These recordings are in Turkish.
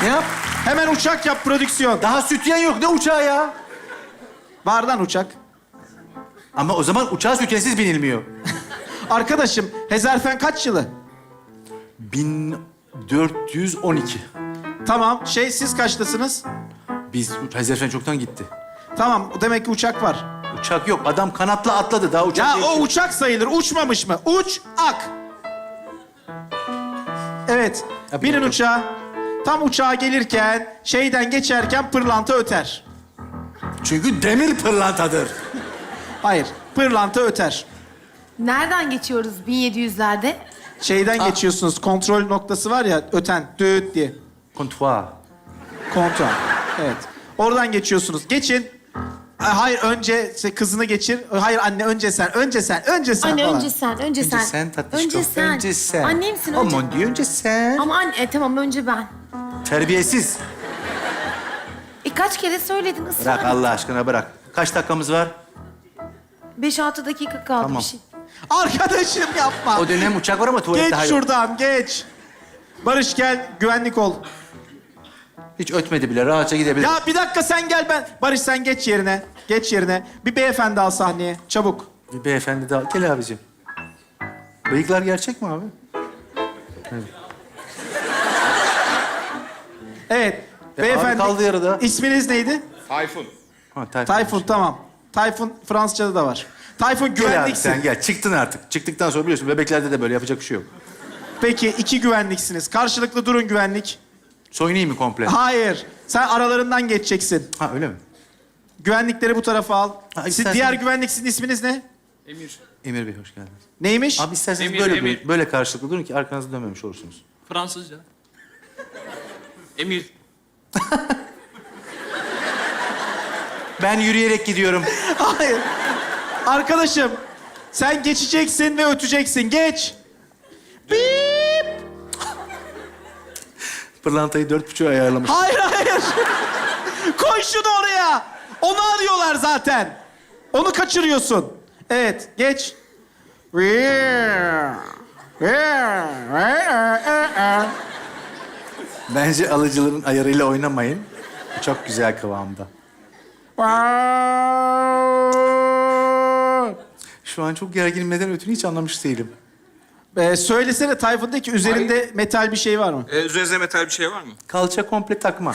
Ne yap? Hemen uçak yap prodüksiyon. Daha sütyen yok. Ne uçağı ya? Vardan uçak. Ama o zaman uçağa sütyensiz binilmiyor. Arkadaşım, Hezarfen kaç yılı? 1412. Tamam, siz kaçtasınız? Biz Hezarfen çoktan gitti. Tamam, demek ki uçak var. Uçak yok. Adam kanatla atladı. Daha uçak Ya değil o ki. uçak sayılır, uçmamış mı? Uç-ak. Evet, Ya, binin bilmiyorum. uçağa. Tam uçağa gelirken, şeyden geçerken pırlanta öter. Çünkü demir pırlantadır. Hayır, pırlanta öter. Nereden geçiyoruz 1700'lerde? Şeyden geçiyorsunuz, kontrol noktası var ya, öten, düt diye. Kontuar. Kontrol, evet. Oradan geçiyorsunuz. Geçin. Hayır, önce kızını geçir. Hayır anne, önce sen Anne falan. önce sen, önce sen. Önce sen tatlışkom. Önce sen. Önce sen. Annemsin önce. Aman diyor önce sen. Ama anne, tamam önce ben. Terbiyesiz. Kaç kere söyledin ısrar. Bırak Allah aşkına bırak. Kaç dakikamız var? 5-6 dakika kaldı Tamam. bir şey. Arkadaşım yapma. O dönem uçak var ama tuvalet Geç daha yok. şuradan, geç. Barış gel, güvenlik ol. Hiç ötmedi bile. Rahatça gidebilir. Ya bir dakika sen gel ben. Barış sen geç yerine. Geç yerine. Bir beyefendi al sahneye. Çabuk. Bir beyefendi daha. Gel abicim. Bıyıklar gerçek mi abi? Evet. Ya beyefendi. abi kaldı yarıda. İsminiz neydi? Tayfun. Ha, Tayfun. Tayfun, tamam. Tayfun Fransızca'da da var. Tayfun Gel abi güvenliksin. sen gel. Çıktın artık. Çıktıktan sonra biliyorsun bebeklerde de böyle yapacak bir şey yok. Peki 2 güvenliksiniz. Karşılıklı durun güvenlik. Soyunayım mı komple? Hayır. Sen aralarından geçeceksin. Ha öyle mi? Güvenlikleri bu tarafa al. Ha, Siz istersen- diğer güvenlik, sizin isminiz ne? Emir. Emir Bey hoş geldiniz. Neymiş? Abi isterseniz Emir, böyle Emir. böyle karşılıklı durun ki arkanızı dönmemiş olursunuz. Fransızca. Emir. Ben yürüyerek gidiyorum. Hayır. Arkadaşım, sen geçeceksin ve öteceksin. Geç. Bip. Pırlantayı 4,5'a ayarlamış. Hayır. Koy şunu oraya. Onu arıyorlar zaten. Onu kaçırıyorsun. Evet, geç. Bence alıcıların ayarıyla oynamayın. Çok güzel kıvamda. Şu an çok gerginim. Neden ötünü hiç anlamış değilim. Söylesene Tayfun'daki üzerinde metal bir şey var mı? Üzerinize metal bir şey var mı? Kalça komple takma.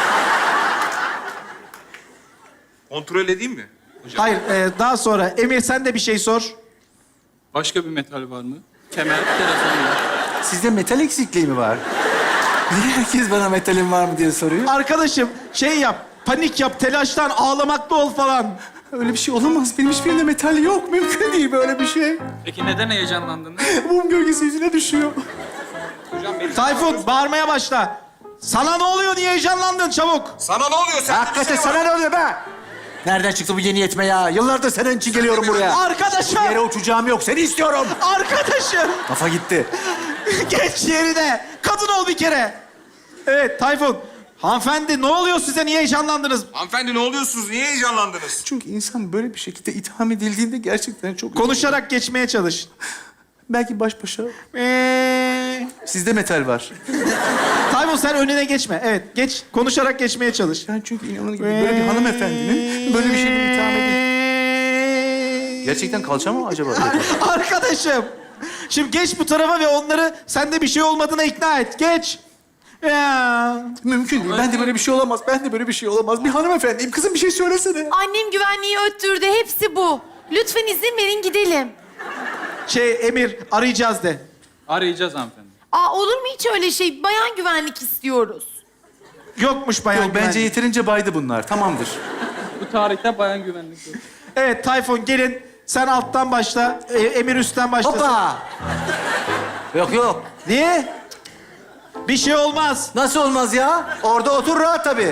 Kontrol edeyim mi? Hocam. Hayır, daha sonra. Emir sen de bir şey sor. Başka bir metal var mı? Kemer, telefon var. Sizde metal eksikliği mi var? Niye herkes bana metalim var mı diye soruyor? Arkadaşım şey yap, panik yap, telaştan ağlamakta ol falan. Öyle bir şey olamaz. Benim hiçbirinde metal yok. Mümkün değil böyle bir şey. Peki neden heyecanlandınız? Mum gölgesi yüzüne düşüyor. Hocam benim... Tayfun bağırmaya başla. Sana ne oluyor, niye heyecanlandın çabuk? Sana ne oluyor? Sen Hakikaten sana ne oluyor be? Nereden çıktı bu yeni yetme ya? Yıllardır senin için geliyorum buraya. Arkadaşım, Bir yere uçacağım yok. Seni istiyorum. arkadaşım. Kafa gitti. Geç yerine. Kadın ol bir kere. Evet Tayfun. Hanımefendi ne oluyor size, niye heyecanlandınız? Hanımefendi ne oluyorsunuz? Niye heyecanlandınız? Çünkü insan böyle bir şekilde itham edildiğinde gerçekten çok... Konuşarak geçmeye çalış. Belki baş başa. Sizde metal var. Tayfun sen önüne geçme. Evet geç, konuşarak geçmeye çalış. Ben çünkü inanın gibi böyle bir hanımefendinin böyle bir şeyle itham edildi. Gerçekten kalça mı acaba? Arkadaşım. Şimdi geç bu tarafa ve onları sende bir şey olmadığına ikna et. Geç. Ya. Mümkün değil. Ben de böyle bir şey olamaz. Ben de böyle bir şey olamaz. Bir hanımefendiyim. Kızım bir şey söylesene. Annem güvenliği öttürdü, hepsi bu. Lütfen izin verin gidelim. Emir arayacağız de. Arayacağız hanımefendi. Olur mu hiç öyle şey? Bayan güvenlik istiyoruz. Yokmuş bayan Yok, bence güvenlik. yeterince baydı bunlar. Tamamdır. Bu tarihte bayan güvenlik yok. Evet Tayfun gelin. Sen alttan başla. Emir üstten başlasın. Hoppa! Yok yok. Niye? Bir şey olmaz. Nasıl olmaz ya? Orada otur rahat tabii.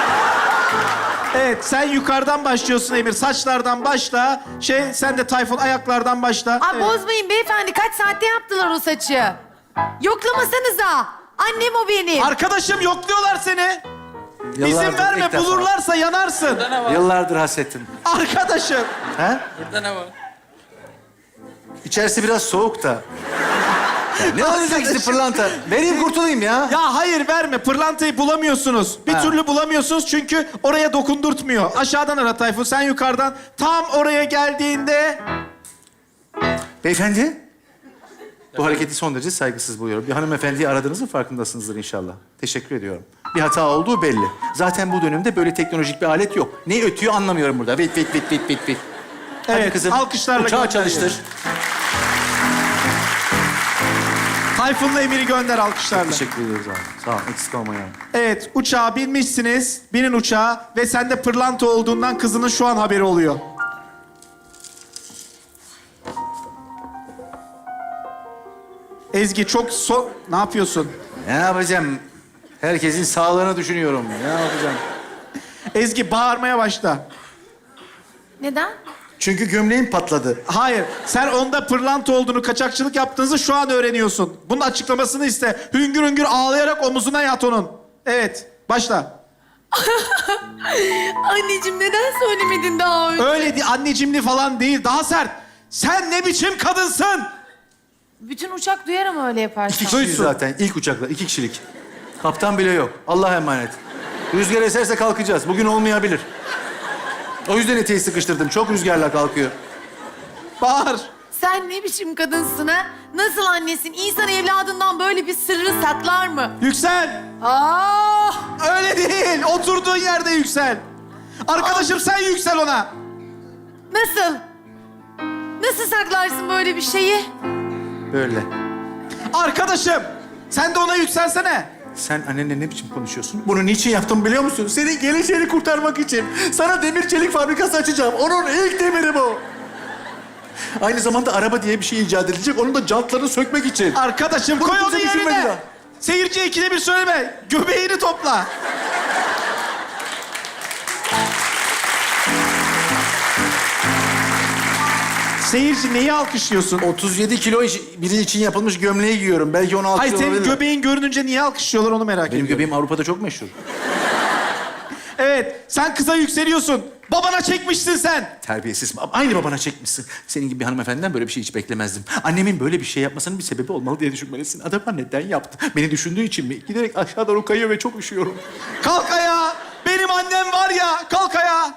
Evet sen yukarıdan başlıyorsun Emir. Saçlardan başla. Sen de Tayfun ayaklardan başla. Evet. Bozmayın beyefendi, kaç saatte yaptılar o saçı? Yoklamasanıza. Annem o benim. Arkadaşım yokluyorlar seni. İzin Yıllardır verme, ilk defa. bulurlarsa yanarsın. Burada ne var? Yıllardır hasretim. Arkadaşım. He? Burada ne var? İçerisi biraz soğuk da. Ne olacak işte pırlanta? Vereyim kurtulayım ya. Ya hayır verme. Pırlantayı bulamıyorsunuz. Bir Ha. türlü bulamıyorsunuz çünkü oraya dokundurtmuyor. Aşağıdan ara Tayfun, sen yukarıdan. Tam oraya geldiğinde... Beyefendi. Bu hareketi son derece saygısız buluyorum. Bir hanımefendiyi aradığınızın farkındasınızdır inşallah. Teşekkür ediyorum. Bir hata olduğu belli. Zaten bu dönemde böyle teknolojik bir alet yok. Ne ötüyor anlamıyorum burada. Bit bit bit bit bit bit. Hadi Evet, kızım. alkışlarla uçağı gönderiyoruz. çalıştır. Tayfun'la Emir'i gönder alkışlarla. Teşekkür ediyoruz abi. Sağ ol. Eksik olma yani. Evet, uçağa binmişsiniz. Binin uçağa ve sende pırlanta olduğundan kızının şu an haberi oluyor. Ezgi çok Ne yapıyorsun? Ne yapacağım? Herkesin sağlığını düşünüyorum. Ne yapacağım? Ezgi bağırmaya başla. Neden? Çünkü gömleğim patladı. Hayır, sen onda pırlanta olduğunu, kaçakçılık yaptığınızı şu an öğreniyorsun. Bunun açıklamasını iste. Hüngür hüngür ağlayarak omuzuna yat onun. Evet, başla. Anneciğim neden söylemedin daha önce? Öyle annecimli falan değil, daha sert. Sen ne biçim kadınsın? Bütün uçak duyar ama öyle yaparsan. İki kişiyiz Duysun. zaten. İlk uçakla. 2 kişilik. Kaptan bile yok. Allah'a emanet. Rüzgar eserse kalkacağız. Bugün olmayabilir. O yüzden eteği sıkıştırdım. Çok rüzgarla kalkıyor. Bağır. Sen ne biçim kadınsın ha? Nasıl annesin? İnsan evladından böyle bir sırrı saklar mı? Yüksel. Ah! Öyle değil. Oturduğun yerde yüksel. Arkadaşım sen yüksel ona. Nasıl? Nasıl saklarsın böyle bir şeyi? Böyle. Arkadaşım sen de ona yükselsene. Sen annenle ne biçim konuşuyorsun? Bunu niçin yaptım biliyor musun? Senin geleceğini kurtarmak için. Sana demir çelik fabrikası açacağım. Onun ilk demiri bu. Aynı zamanda araba diye bir şey icat edilecek. Onun da jantlarını sökmek için. Arkadaşım Bunu koy onu kimse düşünmedi yerine. ya. Seyirciye ikide bir söyleme. Göbeğini topla. Seyirci neyi alkışlıyorsun? 37 kilo biri için yapılmış gömleği giyiyorum. Belki onu Hayır, alkışlıyor senin olabilir. göbeğin görününce niye alkışlıyorlar onu merak Benim ediyorum. göbeğim Avrupa'da çok meşhur. Evet, sen kıza yükseliyorsun. Babana çekmişsin sen. Terbiyesiz. Aynı babana çekmişsin. Senin gibi bir hanımefendiden böyle bir şey hiç beklemezdim. Annemin böyle bir şey yapmasının bir sebebi olmalı diye düşünmelisin. Adama neden yaptı? Beni düşündüğü için mi? Giderek aşağı doğru kayıyor ve çok üşüyorum. Kalk ayağa. Benim annem var ya. Kalk ayağa.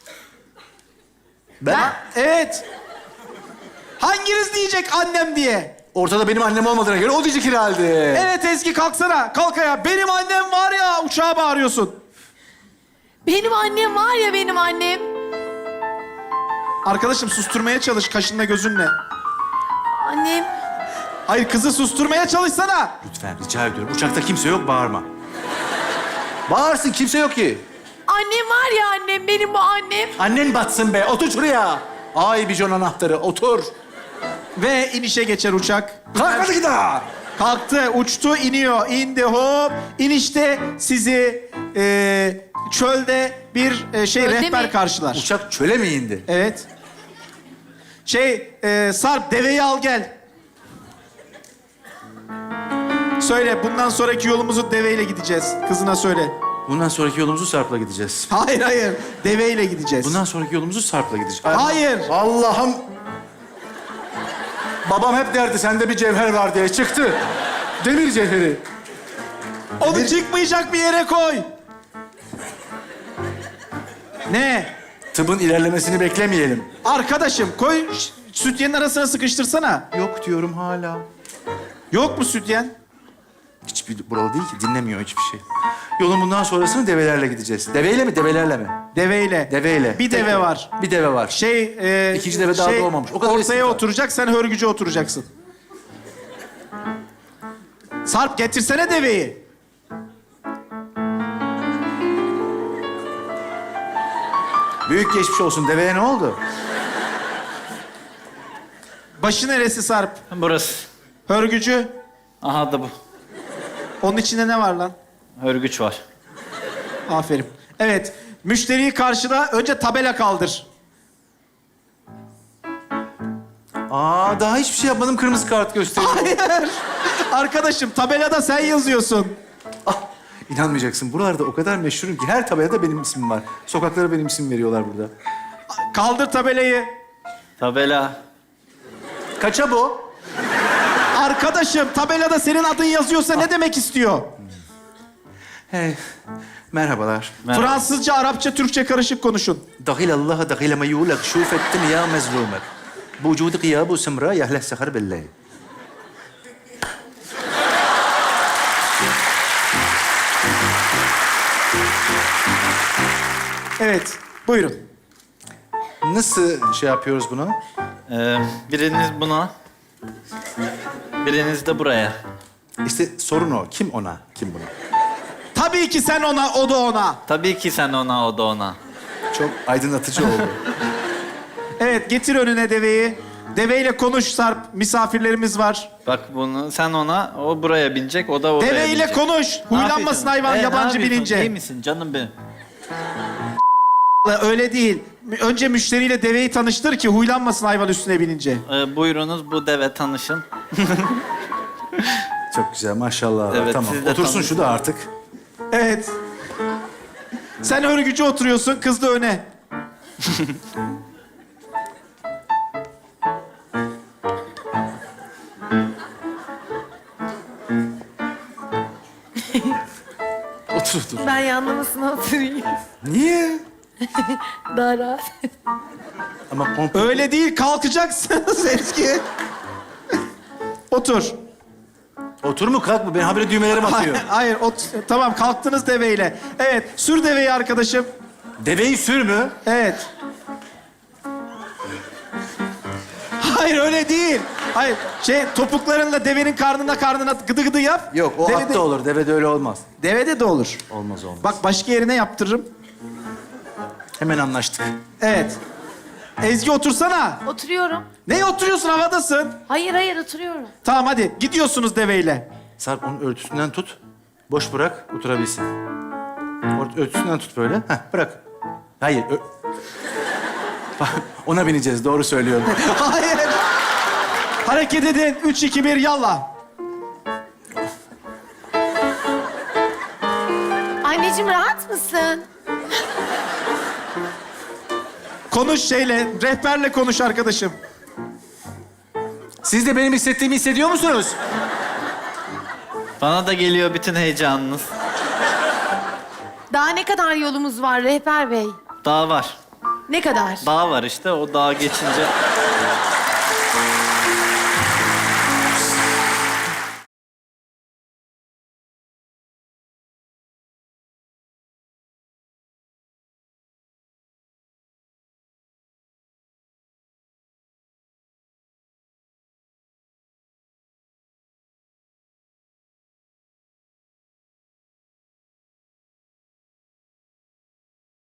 Ben Evet. Hanginiz diyecek annem diye? ortada benim annem olmadığına göre o diyecek herhalde. Evet Ezgi kalksana. Kalk ayağa. Benim annem var ya. Uçağa bağırıyorsun. Benim annem var ya benim annem. Arkadaşım susturmaya çalış kaşınla gözünle. Annem. Hayır kızı susturmaya çalışsana. Lütfen rica ediyorum. Uçakta kimse yok bağırma. Bağırsın kimse yok ki. Annem var ya annem benim bu annem. Annen batsın be. Otur şuraya. Ay bijon anahtarı. Otur. Ve inişe geçer uçak. Kalk hadi daha. Kalktı, uçtu, iniyor. İndi hop. İnişte sizi çölde bir Çölde rehber mi? karşılar. Uçak çöle mi indi? Evet. Sarp deveyi al gel. Söyle bundan sonraki yolumuzu deveyle gideceğiz. Kızına söyle. Bundan sonraki yolumuzu Sarp'la gideceğiz. Hayır hayır. Deveyle gideceğiz. Bundan sonraki yolumuzu Sarp'la gideceğiz. Hayır. Allah'ım. Babam hep derdi sende bir cevher var diye. Çıktı. Demir cevheri. Onu çıkmayacak bir yere koy. Ne? Tıbbın ilerlemesini beklemeyelim. Arkadaşım koy sütyenin arasına sıkıştırsana. Yok diyorum hala. Yok mu sütyen? Hiçbir buralı değil ki. Dinlemiyor hiçbir şey. Yolun bundan sonrasını develerle gideceğiz. Deveyle mi, develerle mi? Deveyle. Deveyle. Bir deve Tek- var. Bir deve var. İkinci deve daha doğmamış. O kadar ortaya eski daha. oturacak, sen hörgüce oturacaksın. Sarp getirsene deveyi. Büyük geçmiş olsun. Deveye ne oldu? Başı neresi Sarp? Burası. Hörgücü. Aha da bu. Onun içinde ne var lan? Örgüç var. Aferin. Evet, müşteriyi karşıla. Önce tabela kaldır. Daha hiçbir şey yapmadım. Kırmızı kart gösteriyor. Hayır. Arkadaşım tabelada sen yazıyorsun. İnanmayacaksın. Buralarda o kadar meşhurum ki her tabelada benim ismim var. Sokaklara benim isim veriyorlar burada. Kaldır tabelayı. Tabela. Kaça bu? Arkadaşım tabelada senin adın yazıyorsa ne demek istiyor? Hey, merhabalar. Merhaba. Fransızca, Arapça, Türkçe karışık konuşun. دخيل الله دخيل ما يولك شوف الدنيا مزلومك بوجود غياب وسمراء يهله السخر بالليل. Evet, buyurun. Nasıl şey yapıyoruz bunu? Biriniz buna, biriniz de buraya. İşte sorun o. Kim ona, kim buna? Tabii ki sen ona, o da ona. Tabii ki sen ona, o da ona. Çok aydınlatıcı oldu. Evet, getir önüne deveyi. Deveyle konuş Sarp, misafirlerimiz var. Bak bunu sen ona, o buraya binecek, o da oraya binecek. Deveyle konuş. Ne Huylanmasın yapıyorsun? hayvan Ne yabancı yapıyorsun? binince. İyi misin canım benim? Öyle değil. Önce müşteriyle deveyi tanıştır ki huylanmasın hayvan üstüne binince. Buyurunuz bu deve tanışın. Çok güzel maşallah. Evet, Tamam. siz de Otursun tanışın. şu da artık. Evet. Sen örgücü oturuyorsun, kız da öne. Otur otur. Ben yanlamasına oturayım. Niye? Daha rahat. Ama komple... Öyle değil, kalkacaksınız Ezgi. Otur. Otur mu kalk mı? Ben habire düğmelerim atıyor. Hayır, tamam kalktınız deveyle. Evet, sür deveyi arkadaşım. Deveyi sür mü? Evet. Hayır öyle değil. Hayır, topuklarınla devenin karnına gıdı gıdı yap. Yok o Devede- atta olur. Devede öyle olmaz. Devede de olur. Olmaz olmaz. Bak başka yerine yaptırırım. Hemen anlaştık. Evet. Ezgi otursana. Oturuyorum. Neye oturuyorsun, havadasın? Hayır oturuyorum. Tamam hadi, gidiyorsunuz deveyle. Sarp onun örtüsünden tut. Boş bırak oturabilsin. Örtüsünden tut böyle. Heh bırak. Hayır. Ona bineceğiz doğru söylüyorum. Hayır. Hareket edin. 3, 2, 1, yallah. Anneciğim rahat mısın? Konuş rehberle konuş arkadaşım. Siz de benim hissettiğimi hissediyor musunuz? Bana da geliyor bütün heyecanınız. Daha ne kadar yolumuz var rehber bey? Dağ var. Ne kadar? Dağ var işte, o dağa geçince...